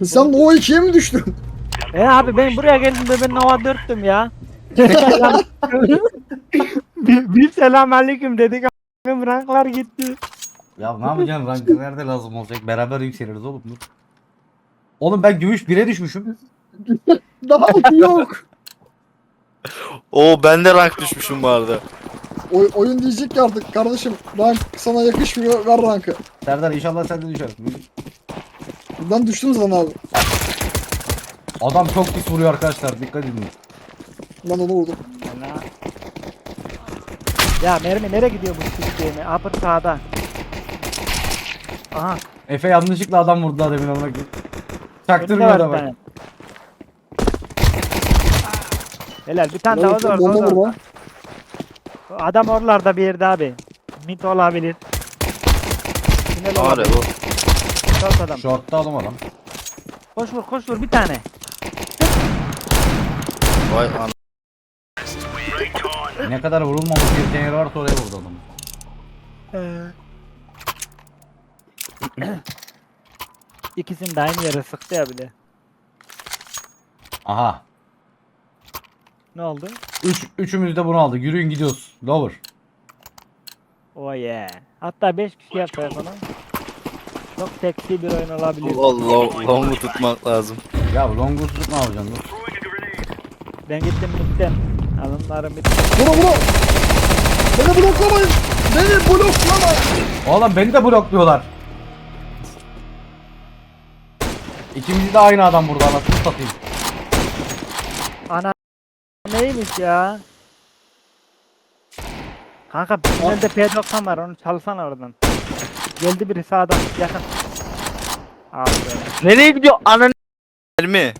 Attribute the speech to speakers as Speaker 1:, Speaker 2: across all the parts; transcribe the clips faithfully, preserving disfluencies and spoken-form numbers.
Speaker 1: Sen o ikiye mi düştün?
Speaker 2: E abi ben buraya geldim de ben Nova dörttüm ya. bir, bir selamünaleyküm dedik a**ım ranklar gitti.
Speaker 3: Ya ne yapacaksın? Rankı nerede lazım olacak? Beraber yükseliriz oğlum. Dur. Oğlum ben gümüş bire düşmüşüm.
Speaker 1: Daha yok.
Speaker 4: Oo ben de rank düşmüşüm bu arada.
Speaker 1: Oy, oyun diyecek ki artık kardeşim rank sana yakışmıyor, ver rankı.
Speaker 3: Serdar inşallah sen de düşersin.
Speaker 1: Ben düştüm zaten abi.
Speaker 3: Adam çok pis vuruyor arkadaşlar. Dikkat edin.
Speaker 1: Ben onu vurdum.
Speaker 2: Ana. Ya mermi nereye gidiyor bu sistemi? Upper sağda. Aha.
Speaker 3: Efe yanlışlıkla adam vurdu daha demin ona.
Speaker 2: önünde
Speaker 3: Çaktırmıyor
Speaker 2: var
Speaker 3: da
Speaker 2: bir
Speaker 3: bak.
Speaker 2: tane. Helal bir tane daha
Speaker 1: Ben
Speaker 2: var orada.
Speaker 1: bomba
Speaker 2: orada.
Speaker 1: vurma.
Speaker 2: Adam oralarda bir yerde abi. Mid olabilir. Tünel
Speaker 4: Var ya
Speaker 2: olabilir.
Speaker 4: bu.
Speaker 2: Short adam.
Speaker 3: Short'ta adam adam.
Speaker 2: Koş vur koş vur bir tane.
Speaker 4: Vay ana.
Speaker 3: Ne kadar vurulmamış bir değeri varsa oraya vurdu adam.
Speaker 2: İkisini de aynı yere sıktı ya bir de.
Speaker 3: Aha.
Speaker 2: Ne oldu?
Speaker 3: Üç, üçümüz de bunu aldık. Yürüyün gidiyoruz. Lower.
Speaker 2: Oh yeah. Hatta beş kişi yapar bunu. Çok seksi bir oyun olabilir.
Speaker 4: Allah long'u tutmak lazım.
Speaker 3: Ya longu tutup ne yapacaksın? Dur.
Speaker 2: Ben gittim gittim. Alınlarım bitti.
Speaker 1: Vura vura. Beni bloklamayın. Beni bloklamayın.
Speaker 3: Oğlum beni de blokluyorlar. İkimizi de aynı adam burada anasını satayım.
Speaker 2: Ana neymiş ya? Kanka tünelde P doksan var onu çalsana oradan. Geldi biri sağdan yakın. Abi be.
Speaker 4: Nereye gidiyor ananı mi?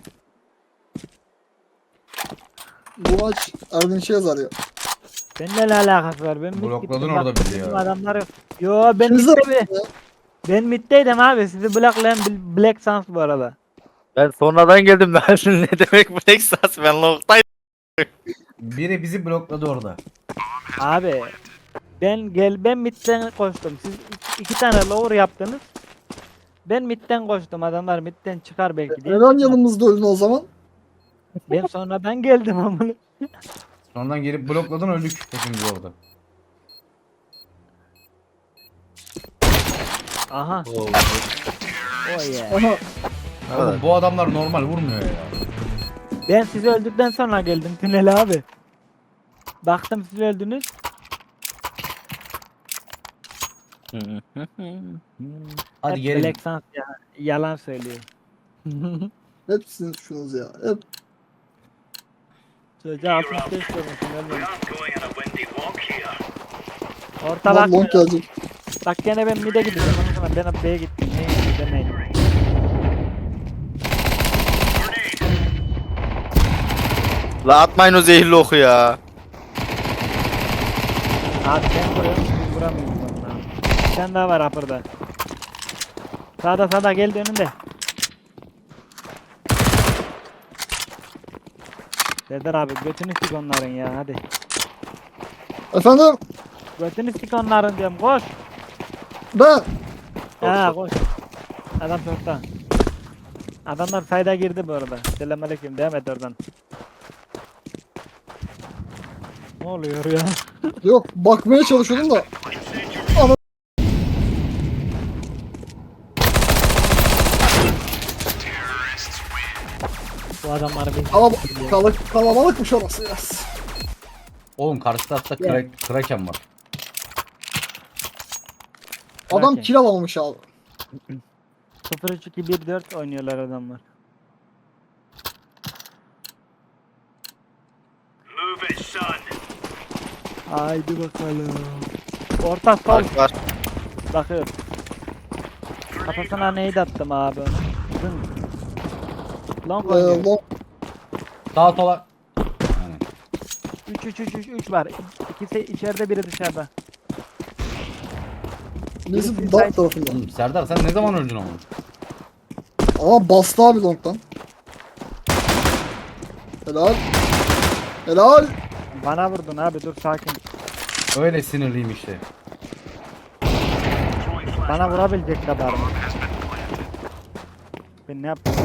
Speaker 1: Bu maç Erdinç'e yazar ya.
Speaker 2: Benimle ne alakası var? Ben mid
Speaker 3: Blokladın
Speaker 2: gittim,
Speaker 3: orada
Speaker 2: bak,
Speaker 3: bizi ya.
Speaker 2: bizim adamlar yok. Yo ben
Speaker 1: İkiniz de
Speaker 2: midde mi?
Speaker 1: ya.
Speaker 2: Ben middeydim abi. Sizi blocklayan Bl- Black Sans bu arada.
Speaker 4: Ben sonradan geldim ben ne demek bu Texas ben long'daydım.
Speaker 3: Biri bizi blokladı orada.
Speaker 2: Abi ben gel ben midden koştum. Siz iki, iki tane lower yaptınız. Ben midden koştum. Adamlar midden çıkar belki diye.
Speaker 1: Neden yanımızda öldün o zaman?
Speaker 2: Ben sonradan geldim ama.
Speaker 3: Sonradan gelip blokladın öldük hepimiz orada.
Speaker 2: Aha.
Speaker 4: Oo,
Speaker 2: Oh yeah.
Speaker 1: Aha.
Speaker 3: Oğlum bu adamlar normal vurmuyor ya.
Speaker 2: Ben sizi öldükten sonra geldim tünele abi. Baktım siz öldünüz.
Speaker 3: Hadi
Speaker 2: Hep
Speaker 3: gelin.
Speaker 2: Black Sans ya. Yalan söylüyor.
Speaker 1: Hepsiniz şunuz ya. Hep.
Speaker 2: Çocuğa altmış beş vurmuşum ölmemiş. Orta
Speaker 1: Lan
Speaker 2: bak.
Speaker 1: long gelecek.
Speaker 2: Bak gene ben mid'e gidiyorum. Ondan sonra ben B'ye gittim. Neyim demeyin.
Speaker 4: La atmayın o zehirli oku ya.
Speaker 2: Abi ben vuruyorum. Siz vuramıyorsunuz ondan. Bir tane daha var upper'da. Sağda sağda geldi önünde. Serdar abi götünü sik onların ya hadi.
Speaker 1: Efendim
Speaker 2: Götünü sik onların diyorum koş.
Speaker 1: ben.
Speaker 2: Ha koş. Adam çokta. Adamlar sayda girdi bu arada. Selamünaleyküm devam et oradan. Ne oluyor ya?
Speaker 1: Yok bakmaya çalışıyordum da.
Speaker 2: Bu adamlar bir
Speaker 1: Kalab kalab kalabalıkmış orası biraz.
Speaker 3: Oğlum karşı tarafta
Speaker 2: Ya.
Speaker 3: kra kraken var.
Speaker 1: Adam
Speaker 2: Kraken.
Speaker 1: kill alamamış abi.
Speaker 2: sıfır üç iki bir dört oynuyorlar adamlar. Haydi bakalım. Orta sol
Speaker 4: Var var.
Speaker 2: bakıyor. Kafasına neydi attım abi onu. Zın. Long
Speaker 1: Ee,
Speaker 2: oynuyor.
Speaker 1: long
Speaker 3: Sağa sola. Yani.
Speaker 2: üç üç üç üç üç var. İkisi içeride biri dışarıda.
Speaker 1: birisi
Speaker 2: Birisi
Speaker 1: dark
Speaker 2: side-
Speaker 1: tarafında.
Speaker 3: Oğlum Serdar sen ne zaman öldün ama?
Speaker 1: Ama bastı abi long'dan. Helal. Helal.
Speaker 2: Bana vurdun abi dur sakin.
Speaker 3: Öyle sinirliyim işte.
Speaker 2: Bana vurabilecek kadar mı? Ben ne yaptım?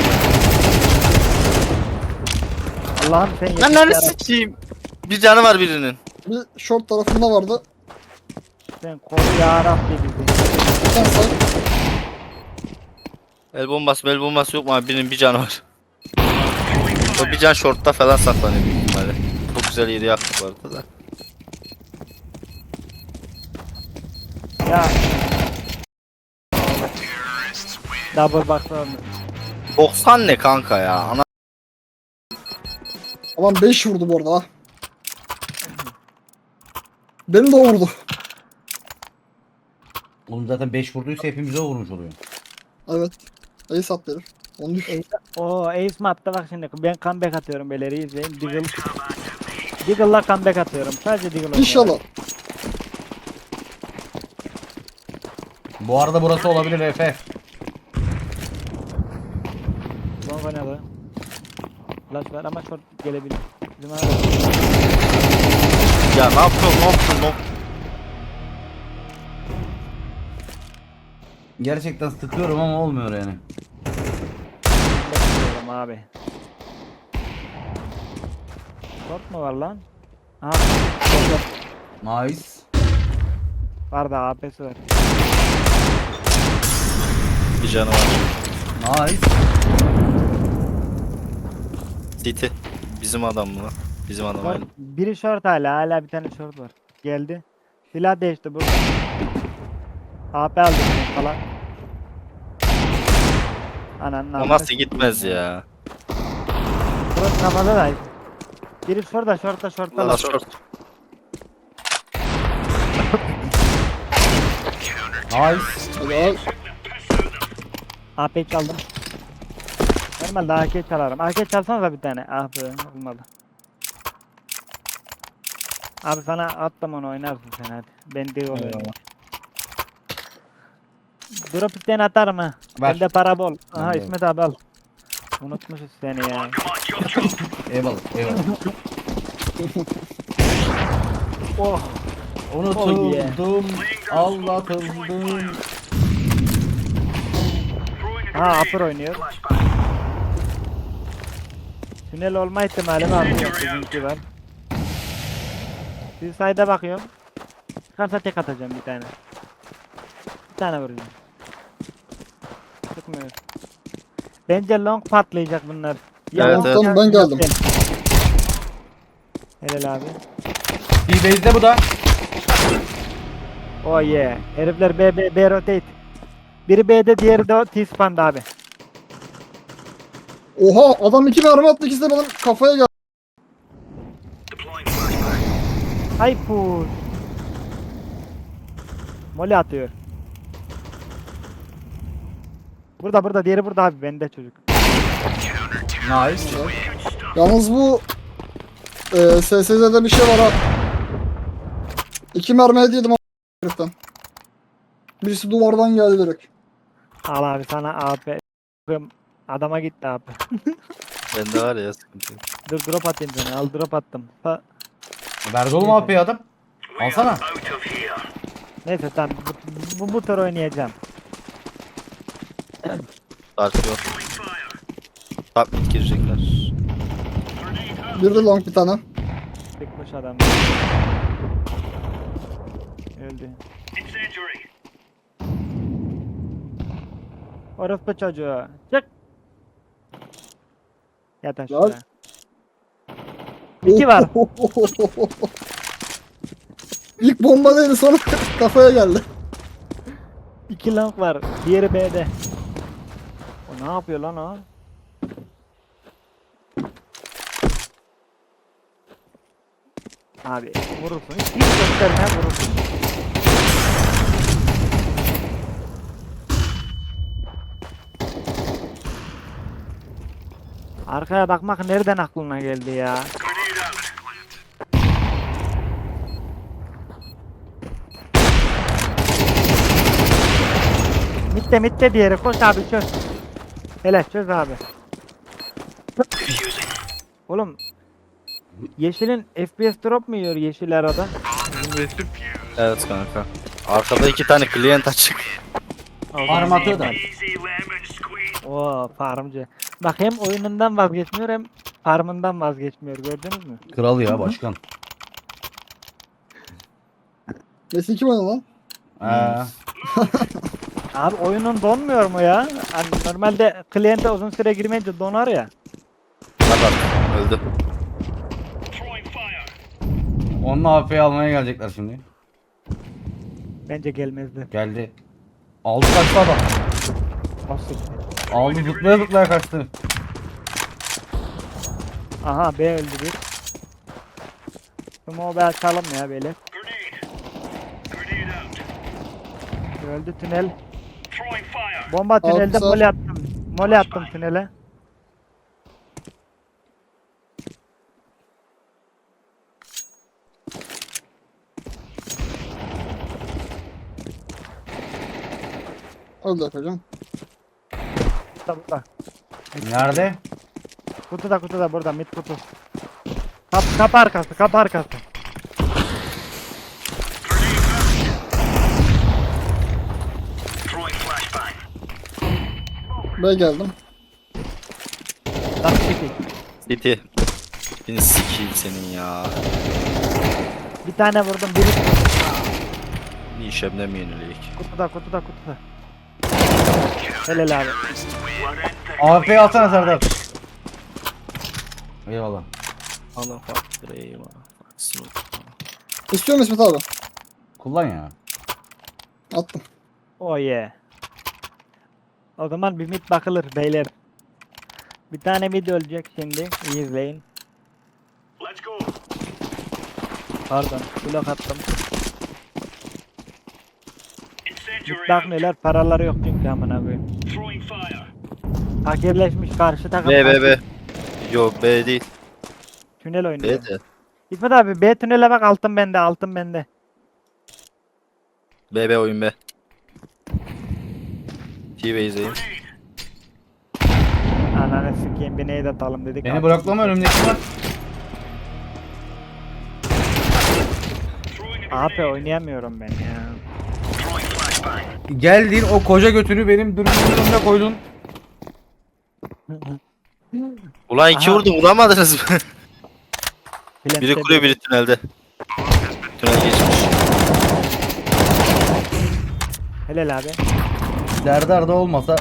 Speaker 2: Allah'ım sen
Speaker 4: Lan
Speaker 2: yetiş
Speaker 4: lan
Speaker 2: yarabbim.
Speaker 4: sikeyim. Bir canı var birinin.
Speaker 1: Bir short tarafında vardı.
Speaker 2: Sen koru yarabbim bizi.
Speaker 1: Sen say.
Speaker 4: El bombası el bombası yok mu abi? Birinin bir canı var. O bir can shortta falan saklanıyor büyük ihtimalle. Çok güzel yeri yaktık bu arada da.
Speaker 2: Ya. Double baksana.
Speaker 4: doksan ne kanka ya? Ana
Speaker 1: Aman beş vurdu bu arada ha. Beni de vurdu.
Speaker 3: Oğlum zaten beş vurduysa hepimize vurmuş oluyor.
Speaker 1: Evet. Ace at herif. Onu düş.
Speaker 2: Ace, o Ace mi attı bak şimdi ben comeback atıyorum beleri izleyin. Deagle. Deagle'la comeback atıyorum. Sadece Deagle oynuyorum.
Speaker 1: İnşallah.
Speaker 3: Bu arada burası olabilir Efe.
Speaker 2: Long oynadı. Flash var ama short gelebilir. Bizim abi.
Speaker 4: ya ne yapıyorsun ne yapıyorsun ne yapıyorsun?
Speaker 3: Gerçekten sıkıyorum ama olmuyor yani.
Speaker 2: Bekliyorum abi. Short mu var lan? Aha. Short yok.
Speaker 3: Nice.
Speaker 2: Var da A P'si var.
Speaker 4: Bir canı var.
Speaker 3: Nice.
Speaker 4: City. Bizim adam mı lan? Bizim adam
Speaker 2: Short,
Speaker 4: aynı.
Speaker 2: biri short hala. Hala bir tane short var. Geldi. Silah değişti burada. A P aldım falan. Ananın
Speaker 4: O
Speaker 2: amına
Speaker 4: nasıl gitmez ya?
Speaker 2: Burası kafada da. Biri şurada, şortta, şortta.
Speaker 4: Allah
Speaker 2: lan.
Speaker 4: short.
Speaker 3: Nice.
Speaker 1: Helal.
Speaker 2: A P çaldım. Normalde A K çalarım. A K çalsana da bir tane. Ah be, olmadı. Abi sana attım onu oynarsın sen hadi. Ben de oluyorum. Drop isten atarım ha.
Speaker 3: Ver.
Speaker 2: Bende para bol. Aha
Speaker 3: Ben de-
Speaker 2: İsmet abi al. Unutmuşuz seni ya.
Speaker 3: Eyvallah. Eyvallah.
Speaker 2: Oh.
Speaker 3: Unutuldum. Aldatıldım.
Speaker 2: Ha upper oynuyor. Tünel olma ihtimali var. Bizimki var. Bir sayda bakıyorum. Çıkarsa tek atacağım bir tane. Bir tane vuracağım. Çıkmıyor. Bence long patlayacak bunlar.
Speaker 4: Evet,
Speaker 1: evet. Tamam, ben geldim.
Speaker 2: Helal abi.
Speaker 3: Bir base'de bu da.
Speaker 2: Oh yeah. Herifler B, B, B rotate. Biri B'de diğeri de T-spawn'da abi.
Speaker 1: Oha adam iki mermi attı, ikisi de benim kafaya geldi.
Speaker 2: Hay push. Mole atıyor. Burada burada diğeri burada abi bende çocuk.
Speaker 3: Nice.
Speaker 1: Yalnız bu e, S S Z'de bir şey var ha. İki mermi hediye yedim heriften. Birisi duvardan geldi direkt.
Speaker 2: Al abi sana A P. Adama gitti abi.
Speaker 4: Bende var ya sıkıntı yok.
Speaker 2: Dur drop atayım sana. Al drop attım. Ha,
Speaker 3: Verdi oğlum A P'yi adam. Alsana.
Speaker 2: neyse tamam. Bu, bu, bu tur oynayacağım.
Speaker 4: Dark yok. Top mid girecekler.
Speaker 1: Bir de long bir tane.
Speaker 2: Sıkmış adam. Öldü. Orospu çocuğu. Çık. Yat aşağı.
Speaker 1: Lan.
Speaker 2: İki var.
Speaker 1: İlk bomba değildi, sonra kafaya geldi.
Speaker 2: İki long var. Diğeri B'de. O ne yapıyor lan o? Abi vurursun. Hiç, hiç gösterme vurursun. Arkaya bakmak nereden aklına geldi ya? Mitte mitte diğeri koş abi çöz. Hele çöz abi. Oğlum Yeşilin F P S drop mu yiyor yeşil arada?
Speaker 4: Evet kanka. Arkada iki tane client açık.
Speaker 3: Armatı da.
Speaker 2: Oo farmcı. Bak hem oyunundan vazgeçmiyor hem farmından vazgeçmiyor, gördünüz mü?
Speaker 3: Kral ya başkan.
Speaker 1: Messi kim oynadı lan?
Speaker 3: Ee,
Speaker 2: Abi oyunun donmuyor mu ya? Hani normalde kliente uzun süre girmeyince donar ya.
Speaker 4: Bak bak öldü.
Speaker 3: onun A F'yi almaya gelecekler şimdi.
Speaker 2: Bence gelmezdi.
Speaker 3: Geldi. Aldı kaçtı adam.
Speaker 2: Nasıl?
Speaker 3: Aldı zıplaya zıplaya kaçtı.
Speaker 2: Aha B öldü bir. Sumo be açalım ya böyle. Öldü tünel. Bomba tünelde
Speaker 1: Altı.
Speaker 2: mole attım. Mole attım tünele.
Speaker 1: Öldü hocam.
Speaker 2: Burada burada.
Speaker 3: Nerede?
Speaker 2: Kutuda kutuda burada mid kutu. Kap, kap arkası kap arkası.
Speaker 1: B geldim.
Speaker 2: Bak çekil.
Speaker 4: City. Beni sikeyim senin ya.
Speaker 2: Bir tane vurdum biri kutu.
Speaker 4: Bir işemden mi yenilik?
Speaker 2: Kutuda kutuda kutuda. Helal abi.
Speaker 3: A F'yi alsana Serdar. Eyvallah.
Speaker 4: Allah faktör eyvah. Faksın.
Speaker 1: İstiyor musun İsmet abi?
Speaker 3: Kullan ya.
Speaker 1: Attım.
Speaker 2: Oh yeah. O zaman bir mid bakılır beyler. Bir tane video olacak şimdi. İyi izleyin. Pardon. Blok attım. Mid bakmıyorlar. Paraları yok çünkü amına koyayım. Fakirleşmiş karşı takım.
Speaker 4: B B B. Yok B değil.
Speaker 2: Tünel oynuyor.
Speaker 4: B de.
Speaker 2: İsmet abi B tünele bak, altın bende, altın bende.
Speaker 4: B B oyun B. T-Base izleyin.
Speaker 2: Ananı sikeyim, bir neydi atalım dedik.
Speaker 3: Beni bloklama, önümdeki var.
Speaker 2: Abi oynayamıyorum ben ya.
Speaker 3: Geldin o koca götünü benim dürbünün önüne koydun.
Speaker 4: Ulan iki
Speaker 2: Aha.
Speaker 4: vurdum vuramadınız mı? Biri
Speaker 2: Plant'te
Speaker 4: kuruyor biri tünelde. Tünel geçmiş.
Speaker 2: Helal abi.
Speaker 3: Serdar da olmasa.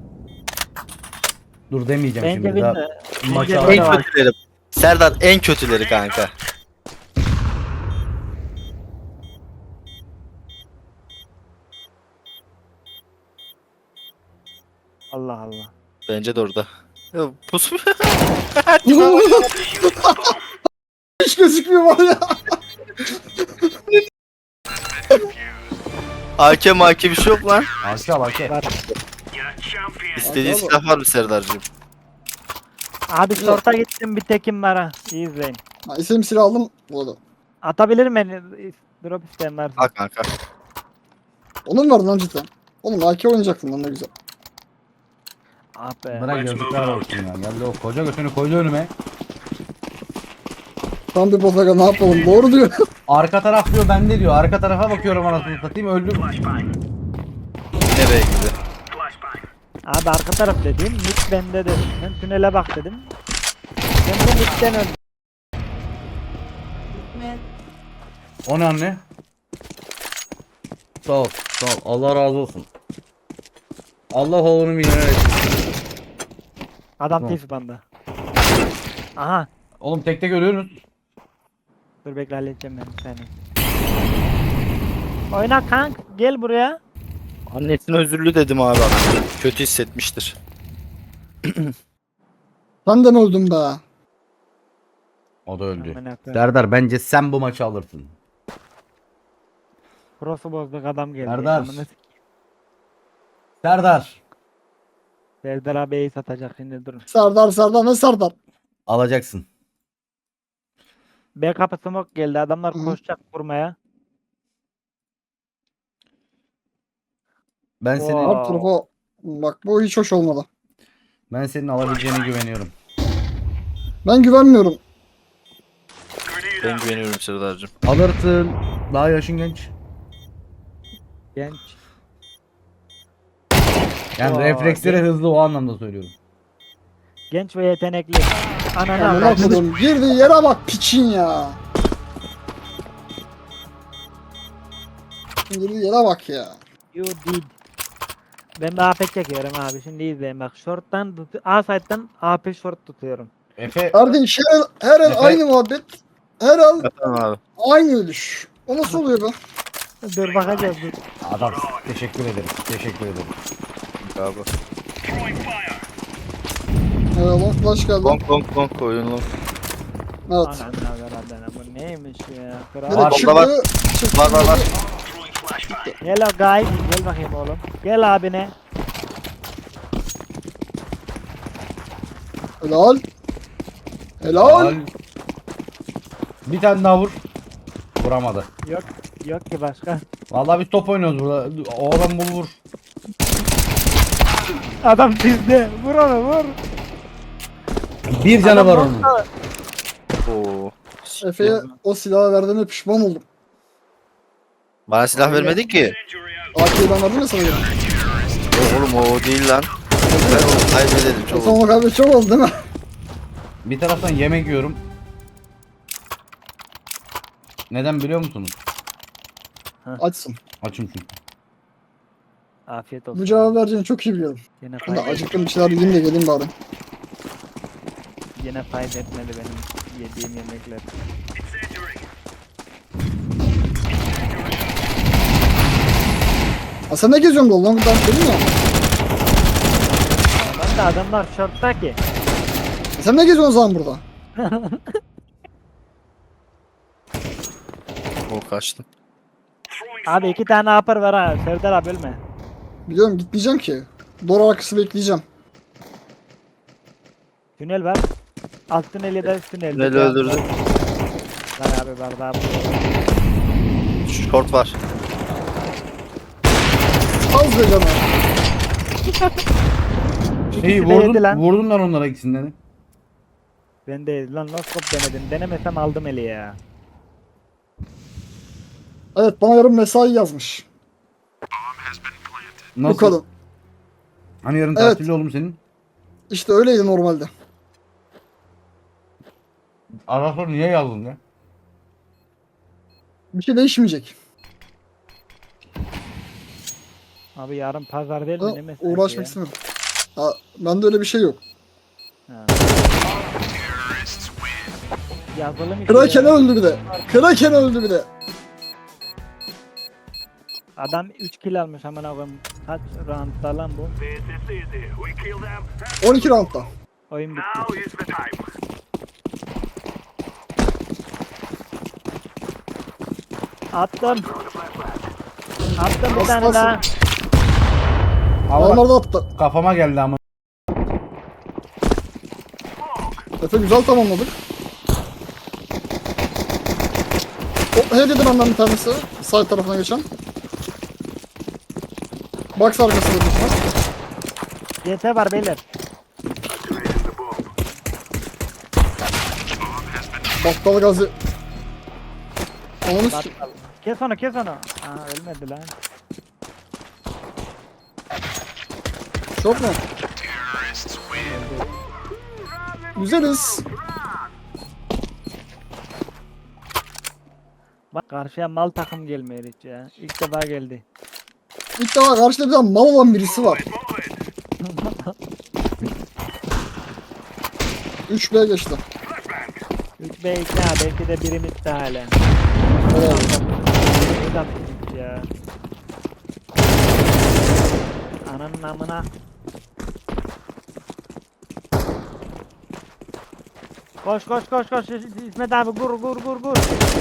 Speaker 3: Dur demeyeceğim
Speaker 2: Bence
Speaker 3: şimdi daha.
Speaker 2: bilme.
Speaker 3: Maçı
Speaker 2: Bence
Speaker 3: al-
Speaker 4: En
Speaker 2: bilme var.
Speaker 4: kötüleri. Serdar en kötüleri kanka.
Speaker 2: Allah Allah.
Speaker 4: Bence de orada. Ya, pus.
Speaker 1: Hiç gözükmüyor var ya.
Speaker 4: A K M A K bir şey yok lan.
Speaker 3: Alki al Alki.
Speaker 2: Var.
Speaker 4: İstediğin
Speaker 1: Abi,
Speaker 4: silah var mı Serdar'cığım?
Speaker 2: Abi short'a gittim, bir tekim var ha. İyi izleyin.
Speaker 1: Ha, isim silah aldım. Bu arada.
Speaker 2: Atabilir mi? Drop isteyen varsa.
Speaker 4: Al kanka.
Speaker 1: Onun vardı lan cidden. Oğlum A K oynayacaktın lan ne güzel.
Speaker 2: Ah be.
Speaker 3: Bırak yazıklar olsun ya. Geldi o koca götünü koydu önüme.
Speaker 1: Tam bir bozaga ne yapalım, doğru diyor.
Speaker 3: Arka taraf diyor bende diyor. Arka tarafa bakıyorum anasını satayım öldüm.
Speaker 4: Nereye gidiyor?
Speaker 2: Abi arka taraf dediğim mid bende dedim. Ben tünele bak dedim. Ben bu midden öldüm.
Speaker 3: O ne anne? Sağ ol, sağ ol. Allah razı olsun. Allah oğlunu milyoner etsin.
Speaker 2: Adam
Speaker 3: Tamam.
Speaker 2: tif banda. Aha.
Speaker 3: Oğlum tek tek ölüyorsunuz.
Speaker 2: Dur bekle, halledeceğim ben seni. Oyna kank, gel buraya.
Speaker 4: Annesine özürlü dedim abi. Kötü hissetmiştir.
Speaker 1: Sen de mi öldün be?
Speaker 3: O da öldü.
Speaker 2: Amına koyayım.
Speaker 3: Serdar bence sen bu maçı alırsın.
Speaker 2: Cross'u bozduk, adam geldi.
Speaker 3: Serdar.
Speaker 2: Amına s-
Speaker 3: Serdar.
Speaker 2: Serdar abiyi satacak şimdi, durun.
Speaker 1: Serdar Serdar ne Serdar?
Speaker 3: Alacaksın.
Speaker 2: B kapı smoke geldi, adamlar
Speaker 1: Hı.
Speaker 2: koşacak vurmaya.
Speaker 3: Ben seni
Speaker 2: Oo.
Speaker 1: Her tarafa bak, bu hiç hoş olmadı.
Speaker 3: ben senin alabileceğine güveniyorum.
Speaker 1: Ben güvenmiyorum.
Speaker 4: Ben güveniyorum Serdar'cığım.
Speaker 3: Alırsın. Daha yaşın genç.
Speaker 2: Genç.
Speaker 3: Yani
Speaker 2: Oo,
Speaker 3: refleksleri
Speaker 2: gen-
Speaker 3: hızlı o anlamda söylüyorum.
Speaker 2: Genç ve yetenekli. Ananı
Speaker 1: Amına
Speaker 2: avradım.
Speaker 1: koydum. Girdiği yere bak piçin ya. Girdiği yere bak ya.
Speaker 2: You did. Ben bir A P çekiyorum abi. Şimdi izleyin bak. Short'tan tut- A side'dan A P short tutuyorum.
Speaker 3: Efe,
Speaker 1: Kardeş her el, her el
Speaker 3: Efe-
Speaker 1: aynı muhabbet. Her el
Speaker 4: Efendim abi.
Speaker 1: aynı ölüş. O nasıl oluyor be?
Speaker 2: Dur bakacağız dur.
Speaker 3: adam teşekkür ederim. Teşekkür ederim.
Speaker 4: Abi.
Speaker 1: Evet long flash geldi.
Speaker 4: Long long long oyun long.
Speaker 1: Evet.
Speaker 2: Ananı avradım. Bu neymiş ya? Kral.
Speaker 1: Direkt
Speaker 3: Var,
Speaker 1: çıktı.
Speaker 4: var.
Speaker 1: çıktı.
Speaker 4: Var var var.
Speaker 2: Hello guys. Gel bakayım oğlum. Gel abine.
Speaker 1: Helal. Helal.
Speaker 3: Bir tane daha vur. Vuramadı.
Speaker 2: Yok. Yok ki başka.
Speaker 3: Vallahi biz top oynuyoruz burada. O adam bul vur.
Speaker 2: Adam bizde. Vur onu vur.
Speaker 3: Bir canı
Speaker 2: Adam
Speaker 3: var onun.
Speaker 2: nokta.
Speaker 4: Oo.
Speaker 1: Efe'ye o silahı verdiğime pişman oldum.
Speaker 4: Bana silah vermedin ki.
Speaker 1: A K'yi ben verdim ya sana göre.
Speaker 4: Yok oğlum o değil lan. Ben onu kaybedelim
Speaker 1: O
Speaker 4: çok
Speaker 1: zaman
Speaker 4: oldu.
Speaker 1: kaybet çok oldu değil mi?
Speaker 3: Bir taraftan yemek yiyorum. Neden biliyor musunuz?
Speaker 1: Açsın.
Speaker 3: Açım çünkü.
Speaker 2: Afiyet olsun.
Speaker 1: Bu cevabı vereceğini çok iyi biliyorum.
Speaker 2: Yine
Speaker 1: Ben de
Speaker 2: fayda,
Speaker 1: acıktım bir şeyler yiyeyim de geleyim bari.
Speaker 2: yine fayda etmedi benim yediğim yemekler.
Speaker 1: Ha sen ne geziyorsun bu lan? Ben dedim ya.
Speaker 2: Tamam da adamlar shortta ki.
Speaker 1: Sen ne geziyorsun o zaman burada?
Speaker 4: O kaçtı.
Speaker 2: Abi iki tane upper var ha. Serdar abi ölme.
Speaker 1: Biliyorum gitmeyeceğim ki. Doğru arkası bekleyeceğim.
Speaker 2: Tünel var. Alt tünel ya da üst tünel.
Speaker 4: Tüneli öldürdü.
Speaker 2: Var abi var daha.
Speaker 4: Short var.
Speaker 1: Az be canım.
Speaker 3: Şeyi
Speaker 2: İkisi de yedi
Speaker 3: vurdun,
Speaker 2: lan.
Speaker 3: vurdun lan onlara ikisinden.
Speaker 2: Ben de lan noskop denedim. Denemesem aldım eli ya.
Speaker 1: Evet bana yarın mesai yazmış. Bu
Speaker 3: Nasıl?
Speaker 1: kadın.
Speaker 3: Hani yarın
Speaker 1: Evet.
Speaker 3: tatilli oğlum senin?
Speaker 1: İşte öyleydi normalde.
Speaker 3: Ara sonra niye yazdın ya?
Speaker 1: Bir şey değişmeyecek.
Speaker 2: Abi yarın pazar değil
Speaker 1: Ha,
Speaker 2: mi? Ne mesajı
Speaker 1: uğraşmak
Speaker 2: ya?
Speaker 1: istemiyorum. Ha, bende öyle bir şey yok.
Speaker 2: Ha. Yazılı mı?
Speaker 1: Kraken öldü bir de. Kraken öldü bir de.
Speaker 2: Adam üç kill almış hemen koyayım. Kaç roundda lan bu?
Speaker 1: on iki roundda.
Speaker 2: Oyun bitti. Attım. Attım bir
Speaker 1: Bas,
Speaker 2: tane
Speaker 1: bas.
Speaker 2: daha.
Speaker 3: Allah
Speaker 1: Onlar da attı.
Speaker 3: kafama geldi ama.
Speaker 1: Efe güzel tamamladık. O he dedi benden bir tanesi. Side tarafına geçen. Box arkasında düşman.
Speaker 2: Y T var beyler.
Speaker 1: Battal gazi. Onu s-
Speaker 2: Battal. Kes onu kes onu. Aa ölmedi lan.
Speaker 1: çok mu? Güzeliz.
Speaker 2: Bak karşıya mal takım gelmiyor hiç ya. İlk defa geldi.
Speaker 1: İlk defa karşıda bir tane mal olan birisi var. üç B geçti.
Speaker 2: üç B iki ha belki de birimiz de hala.
Speaker 1: Evet.
Speaker 2: Buradan bitmiş ya. Ananın amına. Koş koş koş koş İsmet abi gur gur gur gur.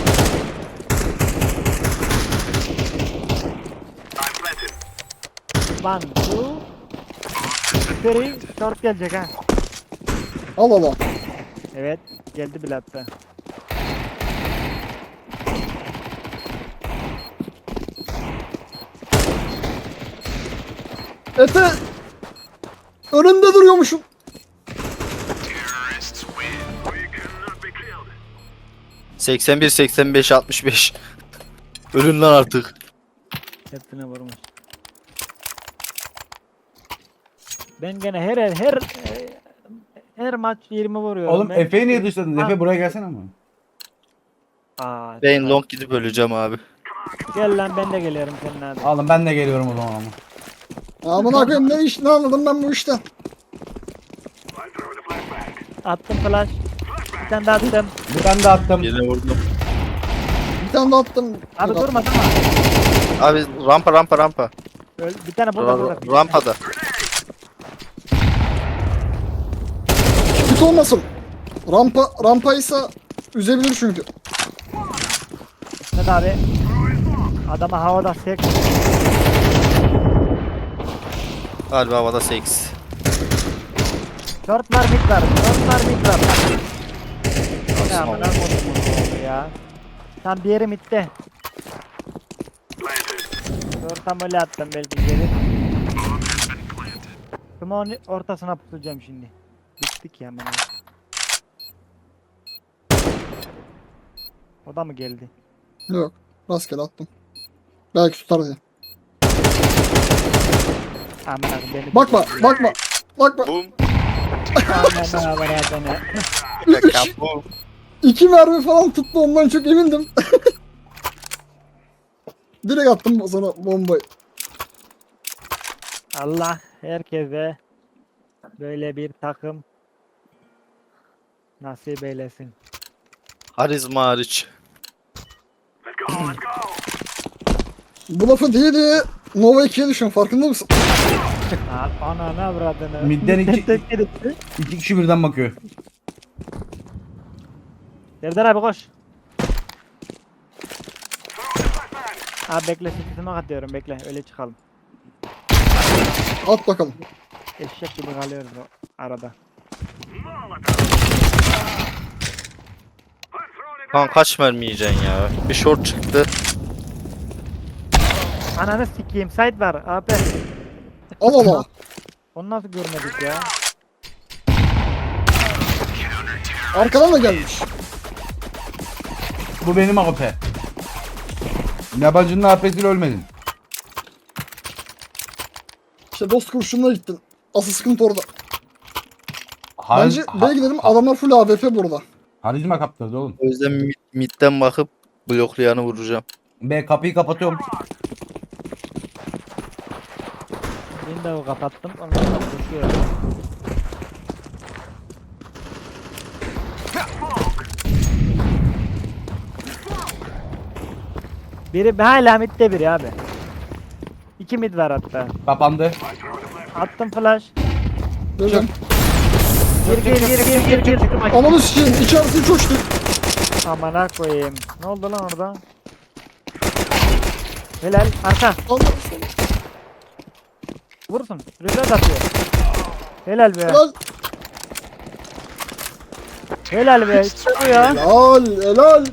Speaker 2: One, two, three, short gelecek ha.
Speaker 1: Al al al.
Speaker 2: Evet, geldi bile hatta.
Speaker 1: Efe. Önünde duruyormuşum.
Speaker 4: seksen bir, seksen beş, altmış beş. Ölün lan artık.
Speaker 2: Hepsine vurmuş. Ben gene her her her, her maç yirmi vuruyorum.
Speaker 3: Oğlum
Speaker 2: Ben-
Speaker 3: Efe'yi niye dışladın?
Speaker 2: Ah.
Speaker 3: Efe buraya gelsene ama.
Speaker 2: Aa,
Speaker 4: Ben
Speaker 2: tamam.
Speaker 4: long gidip öleceğim abi.
Speaker 2: Gel lan ben de geliyorum senin abi.
Speaker 3: Oğlum ben de geliyorum o zaman ama.
Speaker 1: Amına koyayım ne iş ne anladım ben bu işten.
Speaker 2: Attım flash. Bir tane daha attım.
Speaker 3: Bir tane de attım.
Speaker 4: Birine vurdum.
Speaker 1: Bir tane de attım.
Speaker 2: Abi
Speaker 1: Yok,
Speaker 2: durma durma.
Speaker 4: Abi rampa rampa rampa.
Speaker 2: Öl, bir tane burada burada.
Speaker 4: Ra- rampada.
Speaker 1: Kötü olmasın. Rampa rampaysa üzebilir çünkü.
Speaker 2: Hadi abi. Adama havada sek.
Speaker 4: Galiba havada seks.
Speaker 2: Short var mid var. Short var mid var. Ya
Speaker 4: Tamam.
Speaker 2: bana koydum ya. Tam bir yeri midde. Short'a böyle attım belki geri. Smoke'un ortasına pusacağım şimdi. Bittik ya ben. O da mı geldi?
Speaker 1: Yok. Rastgele attım. Belki tutar diye.
Speaker 2: Aman akım beni. de
Speaker 1: Bakma
Speaker 2: geldi.
Speaker 1: bakma. Bakma.
Speaker 4: Boom.
Speaker 2: Aman aman aman.
Speaker 1: Üç,
Speaker 4: Boom.
Speaker 1: iki mermi falan tuttu ondan çok emindim. Direkt attım sana bombayı.
Speaker 2: Allah herkese böyle bir takım nasip eylesin.
Speaker 4: Harizma hariç.
Speaker 1: Bu lafı değil diye Nova ikiye düşün farkında mısın?
Speaker 2: Aa, Ananı avradını.
Speaker 3: Midden iki-
Speaker 2: tek gitti.
Speaker 3: İki kişi birden bakıyor.
Speaker 2: Serdar abi koş. Abi bekle sesime atıyorum bekle öyle çıkalım.
Speaker 1: At bakalım.
Speaker 2: Eşek gibi kalıyoruz o arada.
Speaker 4: Lan kaç mermi yiyeceksin ya? Bir short çıktı.
Speaker 2: Ananı sikeyim site var abi.
Speaker 1: Al al al.
Speaker 2: Onu nasıl görmedik ya?
Speaker 1: Arkadan da gelmiş.
Speaker 3: Bu benim A P. Yabancının A P'siyle ölmedin.
Speaker 1: İşte dost kurşununa gittin. Asıl sıkıntı orada.
Speaker 3: Har
Speaker 1: Bence
Speaker 3: ha-
Speaker 1: B'ye gidelim adamlar full A W P burada.
Speaker 3: Harizma kaptırdı oğlum.
Speaker 4: O yüzden mid, midden bakıp bloklayanı vuracağım.
Speaker 3: B kapıyı kapatıyorum.
Speaker 2: Window'u kapattım. Ondan sonra koşuyorum. Biri hala midde biri abi. İki mid var hatta.
Speaker 3: Kapandı.
Speaker 2: Attım flash.
Speaker 1: Dedim.
Speaker 2: Gir gir gir gir gir gir.
Speaker 1: Ananı sikeyim içerisi hiç hoş değil.
Speaker 2: Amına koyayım. Ne oldu lan orada? Helal arka.
Speaker 1: Allah
Speaker 2: Vursun. Rüzgar atıyor. Helal be.
Speaker 1: helal.
Speaker 2: Helal be. İşte bu ya.
Speaker 1: Helal helal.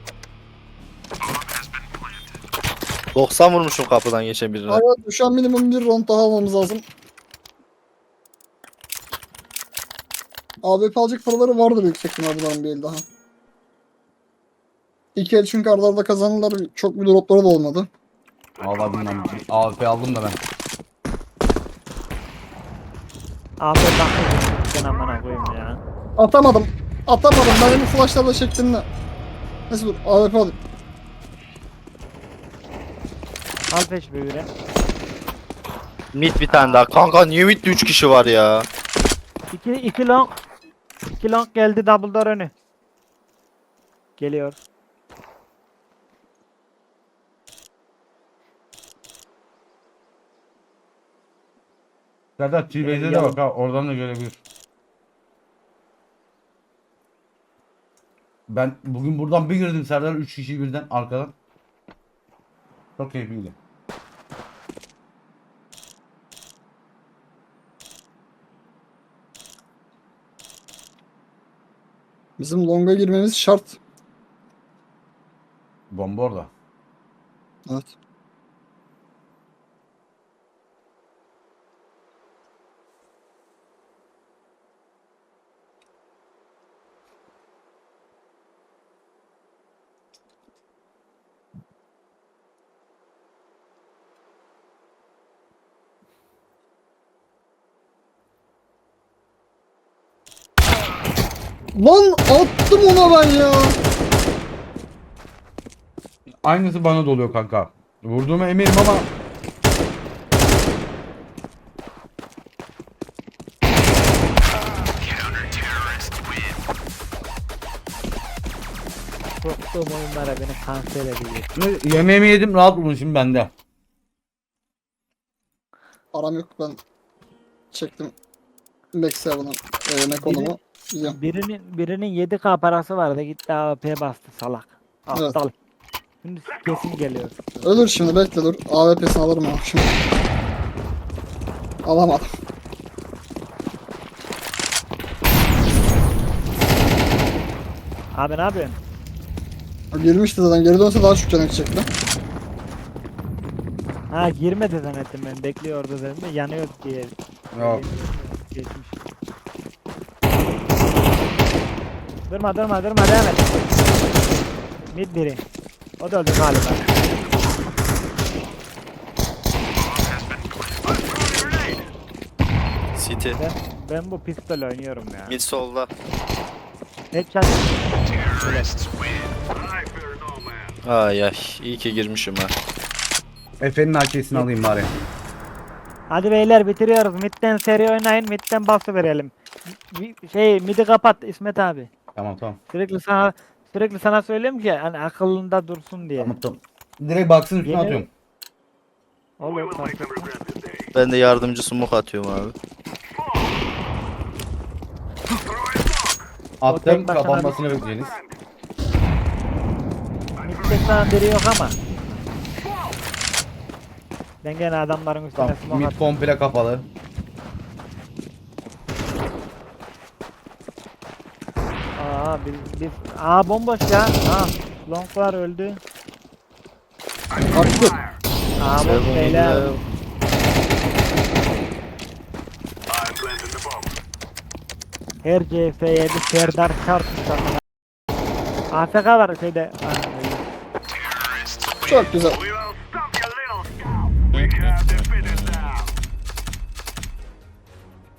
Speaker 4: doksan vurmuşum kapıdan geçen birine.
Speaker 1: Hayat düşen minimum bir round daha almamız lazım. A W P alacak paraları vardır yüksek ihtimalle bunların bir el daha. İki el çünkü arda arda kazanırlar. Çok bir dropları da olmadı.
Speaker 3: Vallahi bilmem. A P aldım da ben.
Speaker 2: Abi bakın. Ben amına koyayım ya.
Speaker 1: Atamadım. Atamadım. Ben bu flashlarla şeklinde. Neyse dur. A W P alayım.
Speaker 2: Al peş böyle.
Speaker 4: Mid bir tane daha. Kanka niye midde üç kişi var ya?
Speaker 2: İki, iki long. İki long geldi double door önü. Geliyor.
Speaker 3: Serdar T-Base'e de bak ha. Oradan da görebilir. Ben bugün buradan bir girdim Serdar. Üç kişi birden arkadan. Çok keyifliydi.
Speaker 1: Bizim longa girmemiz şart.
Speaker 3: Bomba orada.
Speaker 1: Evet. Lan attım ona ben ya.
Speaker 3: Aynısı bana doluyor kanka. Vurduğuma eminim ama
Speaker 2: Korktuğum oyunlara beni kanser ediyor.
Speaker 3: Şimdi yemeğimi yedim, rahat olun şimdi bende.
Speaker 1: Param yok, ben çektim. Max Seven'ın e, ne konumu. Yiyeceğim.
Speaker 2: Birinin birinin yedi K parası vardı, gitti A W P bastı salak.
Speaker 1: Evet.
Speaker 2: Aptal. Şimdi kesin geliyor.
Speaker 1: Ölür şimdi, bekle dur. A W P'sini alırım ama şimdi. Alamadım.
Speaker 2: Abi ne yapıyorsun?
Speaker 1: Girmişti zaten, geri dönse daha çok canı gidecekti.
Speaker 2: Ha girmedi zannettim ben, bekliyordu dedim de yanıyor diye.
Speaker 3: Yok.
Speaker 2: Geçmiş. Durma durma durma, devam et. Mid biri. O da öldü galiba.
Speaker 4: City.
Speaker 2: Ben, ben bu pistol oynuyorum ya.
Speaker 4: Mid solda.
Speaker 2: Headshot.
Speaker 4: Ay ay. İyi ki girmişim ha.
Speaker 3: Efe'nin A K'sini alayım bari.
Speaker 2: Hadi beyler bitiriyoruz. Mid'den seri oynayın. Mid'den bastı verelim. Bir- Şey midi kapat İsmet abi.
Speaker 3: Tamam tamam.
Speaker 2: Sürekli sana sürekli sana söylüyorum ki hani akılında dursun diye.
Speaker 3: Tamam tamam. Direkt baksın üstüne
Speaker 2: Yemin-
Speaker 3: atıyorum.
Speaker 2: Olur. fark etmez.
Speaker 4: Ben de yardımcı smoke atıyorum abi.
Speaker 3: Attım,
Speaker 2: tek başına
Speaker 3: kapanmasını bekleyeceğiniz.
Speaker 2: Mid'de sana biri yok ama. Ben gene adamların üstüne
Speaker 3: Tamam.
Speaker 2: smoke
Speaker 3: Mid
Speaker 2: attım.
Speaker 3: komple kapalı.
Speaker 2: Aa biz, biz Aa bomboş ya. Aa longlar öldü.
Speaker 1: Attı.
Speaker 2: Aa boş
Speaker 4: Seven
Speaker 2: beyler.
Speaker 4: ile-
Speaker 2: Her C F yedi Serdar çarpmış sana. A F K var şeyde. Aa, öyle.
Speaker 1: Çok güzel.